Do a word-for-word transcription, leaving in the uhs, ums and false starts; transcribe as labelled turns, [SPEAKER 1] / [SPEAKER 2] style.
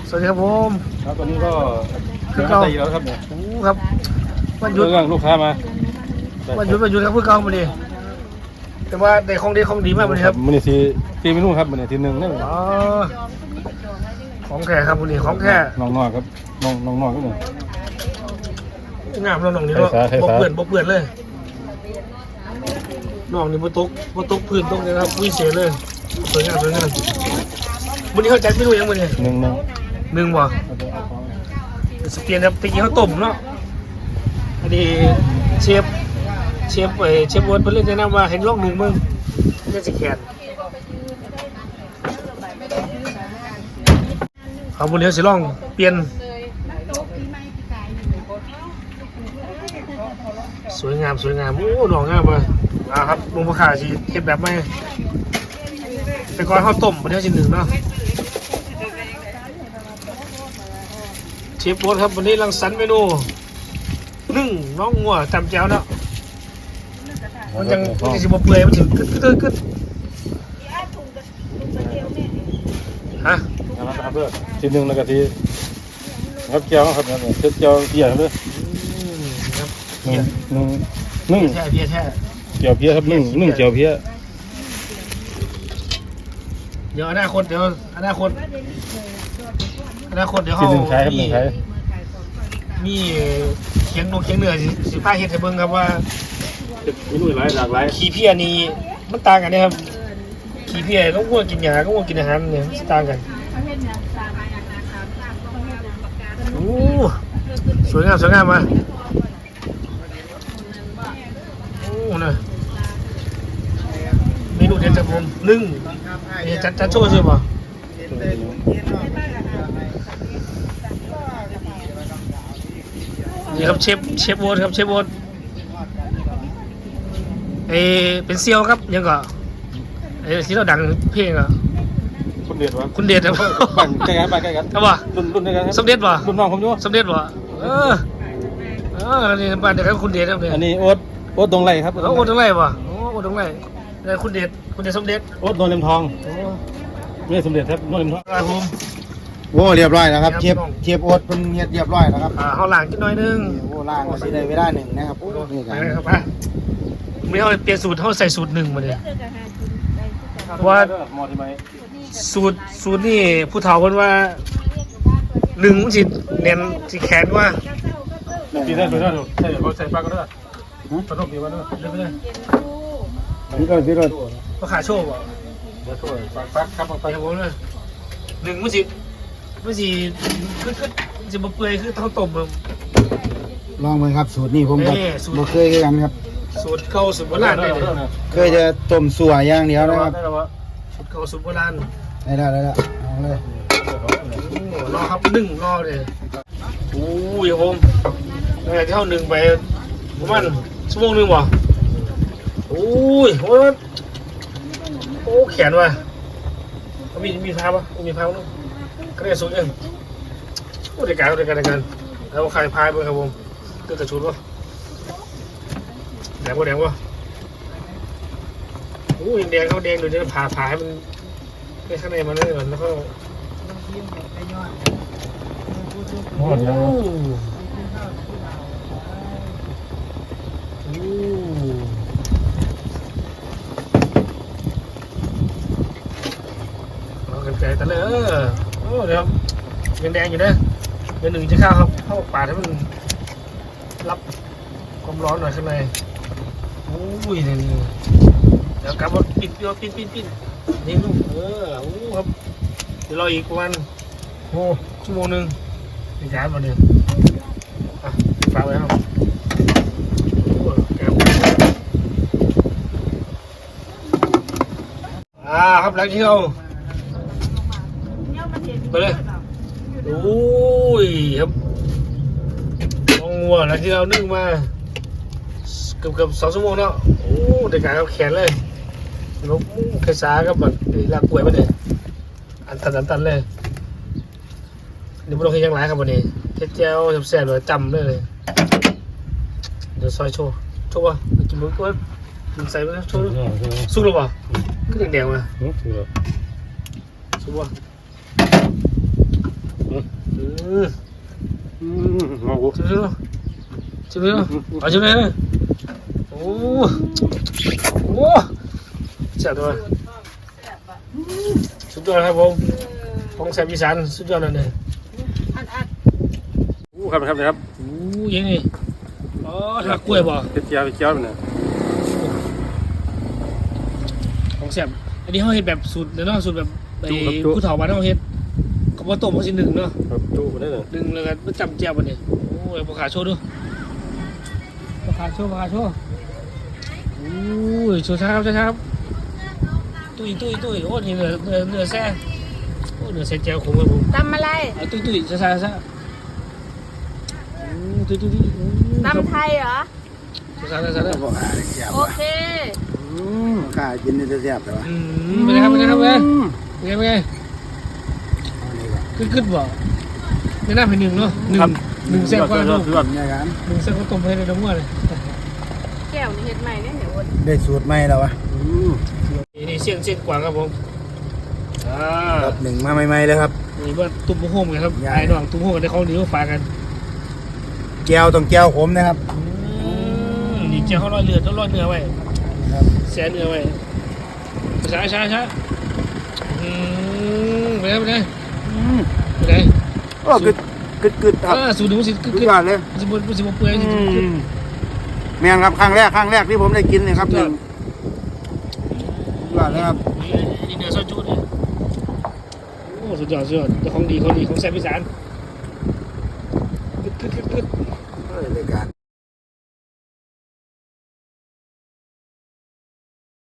[SPEAKER 1] สวัสดีครับผม
[SPEAKER 2] ครับตอนนี้ก็คือเราตีแล้วครับเนี่ย
[SPEAKER 1] โอ้ครับวันหยุด
[SPEAKER 2] เรื่องลูกค้ามา
[SPEAKER 1] วันหยุดวันหยุดครับเพื่อเก่ามาดิแต่ว่าได้ของดีของดีมากเลยครับ
[SPEAKER 2] มันนี่ทีทีเมนูครับมันนี่ทีหนึ่งนี่
[SPEAKER 1] อ๋อของแท้ครับวันนี้ของแท้
[SPEAKER 2] น้องนอกครับน้องน้องนอกก็หนึ่ง
[SPEAKER 1] งามน้องน้องนี่เนาะบกเปื่อนบกเปื่อนเลยน้องนี่บนโต๊ะบนโต๊ะพื้นโต๊ะนี่ครับวิเศษเลยสวยงามสวยงามวันนี้เขาจัดเมนูยังวันนี้
[SPEAKER 2] หนึ่งหนึ่ง
[SPEAKER 1] หนึ่งว่ะสเปียนครับตะกี้เขาต้มเนาะอันนี้เชฟเชฟเอเชฟวนเพิ่นเล่นแนะนำว่าเห็นลองหนึ่งมึงเล่นสิแขนเอาบุญเลี้ยวสิลองเปลี่ยนสวยงามสวยงามโอ้ดอกงามเลยอ่าครับลุงพ่อขาสิเก็บแบบไม่แต่ก่อนเขาต้มบุญเลี้ยวสิหนึ่งเนาะเชฟโบ๊ทครับวันนี้รังสรรค์เมนูนึ่งน้องงัวจำแจ้วเนาะมันยังมันจะสิบเปื่อยมันถึงกึดกึดกึดฮะ
[SPEAKER 2] นะครับเพื่อทีหนึ่งแล้วก็ทีครับเจียวครับเนี่ยเจียวเพี้ยเลยหนึ่งหนึ่งหนึ่ง
[SPEAKER 1] แท้เพี้ยแท้
[SPEAKER 2] เจียวเพี้ยครับหนึ่งหนึ่งเจียวเพี้ย
[SPEAKER 1] เดี๋ยวอนาคตเดี๋ยวอนาคตอนาคตเดี๋ยวเขามีเคียงนกเคียงเหนือสิผ้าเห็ดให้เบิ่งครับว่า
[SPEAKER 2] มีนุ่ยหลายหลากหลาย
[SPEAKER 1] ขี้เพี้ยนี่มันต่างกันนะครับขี้เพี้ยต้องวัวกินยาต้องวัวกินอาหารเนี่ยมันต่างกันโอ้สวยงามสวยงามมาโอ้นะเมนูเด็ดจากผมนึ่งนี่จัดจัดโชว์ใช่ป่ะนี่ครับเชฟเชฟโบ๊ทครับเชฟโบ๊ทเอเป็นเซียวครับยังก็เอที่เราดังเพลงอ่ะ
[SPEAKER 2] คุณเด็ดวะ
[SPEAKER 1] คุณเด็ดครับ
[SPEAKER 2] บ้านใกล้กันบ้านใกล้กัน
[SPEAKER 1] ครับว่ะ
[SPEAKER 2] รุ่นรุ่นด้วยกัน
[SPEAKER 1] สมเด็จว่ะ
[SPEAKER 2] รุ่นน้องผมอยู่
[SPEAKER 1] สมเด็จว่ะเออเออนี่บ้านเดียวกันคุณเด็ดครับเนี่ย
[SPEAKER 2] อันนี้โอ๊ตโอ๊ตดงไรครับ
[SPEAKER 1] โอ๊ตดงไรว่ะโอ๊ตดงไรนี่คุณเด็ดคุณเด็ดสมเด็จ
[SPEAKER 2] โอ๊ตโดนเล็มทองไม่สมเด็จครับโดนเล็มทอง
[SPEAKER 1] ครับผม
[SPEAKER 3] โอ้เรียบร้อยแล้วครับเทียบเทียบโอ๊ตเป็นเรียบร้อยแล้วครับ
[SPEAKER 1] อ่าเขาล้างนิดหน่อยนึง
[SPEAKER 3] โอ้ล้างมาสิได้เวลาหนึ่งนะครับโอ้นี่
[SPEAKER 1] กันครับป่ะไม่เอาเปลี่ยนสูตรเขาใส่สูตรหนึ่งมาเลยว่าสูตรสูตรนี่ผู้เฒ่าคนว่าหนึ่งมันสิเน้นสิแขนว่า
[SPEAKER 2] ปีได้ปีได้ถูกใช่เขาใส่ปลาก็ได้ปลาต้มปีว่าได้
[SPEAKER 1] เล่นไปเลย
[SPEAKER 3] พี่รถพี่รถ
[SPEAKER 1] ก็ขาโชว์บ่
[SPEAKER 2] เดี๋ยวช่วยปลาปลาครับ
[SPEAKER 1] ไปครับผมเลยหนึ่งมันสิมันสิคือคือสิบเปื่อยคือต้องต้ม
[SPEAKER 3] ลองเลยครับสูตรนี้ผมก็บ่เคยกันครับ
[SPEAKER 1] สูตรเข้าสูตรโบราณได้เลย
[SPEAKER 3] เคยจะต้มสัวอย่างเดียวนะครับ
[SPEAKER 1] สูตรเข้าสูตรโบราณ
[SPEAKER 3] ได้แล้วได้แล้วเอาเลย
[SPEAKER 1] รอครับหนึ่งรอเลยโอ้ยผมตั้งแต่ที่เข้าหนึ่งไปประมาณชั่วโมงหนึ่งวะโอ้ยโอ้ยโอ้แขนว่ะมีมีพาปะมีพาปะก็ได้สูตรยังโอ้เด็กการเด็กการเด็กการแล้วใครพายบ้างครับผมเกิดกระชุนวะแดงวะแดงวะโอ้ยแดงเขาแดงดูจะผ่าผ่าให้มันในข้างในมันนั่นก่อนแล้วก็โอ้โหเอากันไกลแต่เลยเออโอ้เดี๋ยวยังแดงอยู่นะเดี๋ยวหนึ่งจะเข้าครับเข้าปาดให้มันรับความร้อนหน่อยข้างในโอ้ยนี่เดี๋ยวกลับมาปิดปิดปิดปิดนี่ลูกเออโอ้ครับเดี๋ยวรออีกประมาณโอ้ชั่วโมงหนึ่งในการมาเนี่ยอ่ะฝากไว้ครับอ่าครับหลังที่เราไปเลยโอ้ยครับมองวัวหลังที่เรานึ่งมาเกือบเกือบสองชั่วโมงเนาะโอ้เด็กการเขาแขนเลยนกเคยสากับแบบลากกล้วยมาเนี่ยอันตันอันตันเลยนี่พวกเราเคยยังไรครับวันนี้เจ๊เจ้าแซ่บๆเลยจำเลยเลยเดี๋ยวซอยโชว์โชว์ป่ะกินมือก็กินใส่ไปโชว์สู้หรือเปล่าก็แดงๆมาสู้ป่ะอืม
[SPEAKER 2] อืมมาโอ้
[SPEAKER 1] ชิมดูชิมดูเอาชิมเลยโอ้โหแซ่บด้วยสุดยอดครับผมของแซ่บอีสานสุดยอดเลยเนี่ย
[SPEAKER 2] อู้ครับครับครับ
[SPEAKER 1] โอ้ยังไงอ๋อถักกล้วยบ่
[SPEAKER 2] เฮ็ดเจียวเฮ็ดเจียวเนี่ย
[SPEAKER 1] ของแซ่บอันนี้เขาเฮ็ดแบบสูตรเนาะสูตรแบบไอ้ผู้เฒ่าบ้านเขาเฮ็ดเขาบ่ต้มเขาสิหนึ่งเนาะ
[SPEAKER 2] ครับจูนี่เลย
[SPEAKER 1] หนึ่งแล้วก็มาจำแจ่วบัดนี้โอ้ยบ่ขาโชว์ดูบ่ขาโชว์บ่ขาโชว์โอ้ยโชว์ช้าครับช้าครับตุ้ยตุ้ยตุ้ยโอ้นี่เนื้อเนื้อเนื้อแซ่โอ้เนื้อแซ่แจ่วขมครับผม
[SPEAKER 4] ตำอะไร
[SPEAKER 1] เอาตุ้ยตุ้ยช้าช้าช้าโอ้ตุ้ยตุ้ยตุ้ย
[SPEAKER 4] ตำไทยเหรอ
[SPEAKER 1] ช้าช้าช้าช้า
[SPEAKER 3] บอกหาแซ่บ
[SPEAKER 4] โอ
[SPEAKER 3] ว่ะ
[SPEAKER 4] เค
[SPEAKER 3] อืมกล้ากินนี่จะแซ่บแต่ว่า
[SPEAKER 1] อืมเป็นไงครับเป็นไงครับเป็นไง
[SPEAKER 3] อืม
[SPEAKER 1] เป็นไงเป็นไง
[SPEAKER 3] เอาเลยว่ะ
[SPEAKER 1] ขึ้นขึ้นบ่ไม่น่าเป็นหนึ่งเนาะหนึ่งหนึ่งแซ่บกว่าเนาะ
[SPEAKER 2] สุดยอด
[SPEAKER 3] เนี่ยกัน
[SPEAKER 1] หนึ่งแซ่บกว่าต้มให้ในน้ำมันเลย
[SPEAKER 4] แก้วนี่เห็ดใหม่เนี่ยเดี๋ยวอด
[SPEAKER 3] ได้สูตรใหม่แล้ววะ
[SPEAKER 2] อืม
[SPEAKER 1] นี่นี่เส้นเส้นกวางครับผมอ่า
[SPEAKER 3] ครับหนึ่งมาใหม่ๆเลยครับ
[SPEAKER 1] นี่ว่าตุ้มโฮมกันครับ
[SPEAKER 3] ใหญ่
[SPEAKER 1] ไอ้น้องตุ้มโฮมกันได้ของดีมาฝากกัน
[SPEAKER 3] แก้วต้องแก้วขมนะครับ
[SPEAKER 1] อืมนี่เจ้าเขาลอยเรือต้องลอยเนื้อไว้
[SPEAKER 3] ครับ
[SPEAKER 1] แซ่เนื้อไว้ช้าช้าช้าอืมไปไหนไปไหน
[SPEAKER 3] อืม
[SPEAKER 1] ไปไหน
[SPEAKER 3] โอ้กึดกึดกึดครับ
[SPEAKER 1] อ่าสูตรหนูสิกึก
[SPEAKER 3] สุด
[SPEAKER 1] กึก
[SPEAKER 3] ยอดเลย
[SPEAKER 1] สิบสิบเปื่อยสิบกึก
[SPEAKER 3] แม่นครับครั้งแรกครั้งแรกที่ผมได้กินเนี่ยครับหนึ่งสุดยอดเลยครับ
[SPEAKER 1] นี่เนื้อซอยจุดเนี่ยโอ้สุดยอดสุดยอดเจ้าของดีของดีของแซ่บอีสานกึดกึดกึดกึด
[SPEAKER 3] เออรายการ